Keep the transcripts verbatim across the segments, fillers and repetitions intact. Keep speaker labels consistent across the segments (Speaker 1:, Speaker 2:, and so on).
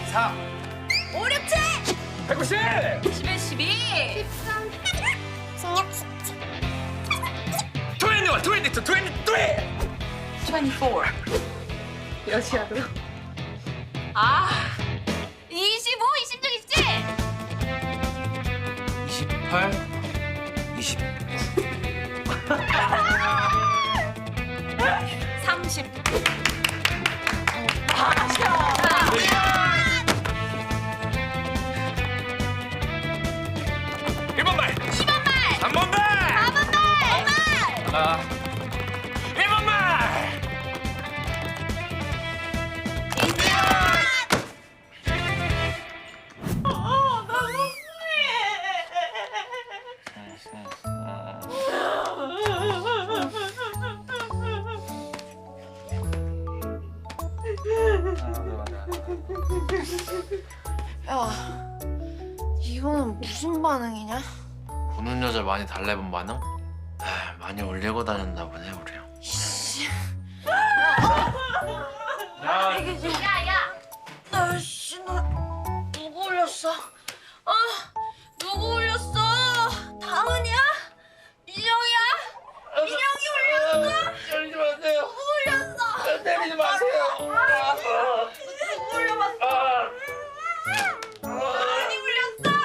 Speaker 1: 사.
Speaker 2: 오륙칠.
Speaker 1: 백구십.
Speaker 2: 십일, 십이.
Speaker 3: 십삼. 십육, 십칠.
Speaker 1: 이십일, 이십이, 이십삼.
Speaker 2: 이십사.
Speaker 4: 여시야도.
Speaker 2: 아. 이십오, 이십육, 이십칠.
Speaker 1: 이십팔, 이십.
Speaker 2: 삼십.
Speaker 1: 일 번 말.
Speaker 2: 이 번 말.
Speaker 1: 삼 번 말.
Speaker 2: 사 번 말.
Speaker 1: 아. 일 번 말.
Speaker 4: 야, 이거는 무슨 반응이냐?
Speaker 5: 보는 여자 많이 달래본 반응? 아, 많이 올리고 다녔나 보네 우리 형.
Speaker 1: 야.
Speaker 2: 야, 야.
Speaker 4: 아씨, 나 누구 올렸어? 아, 누구 올렸어? 다은이야? 민영이야? 민영이 올렸어?
Speaker 5: 때리지 마세요.
Speaker 4: 누구 올렸어?
Speaker 5: 때리지 마세요.
Speaker 4: 누구 올려봤어? 다은이 올렸어?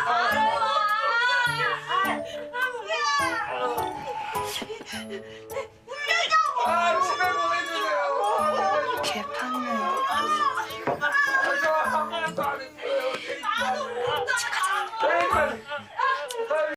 Speaker 5: 아, 집에 보내.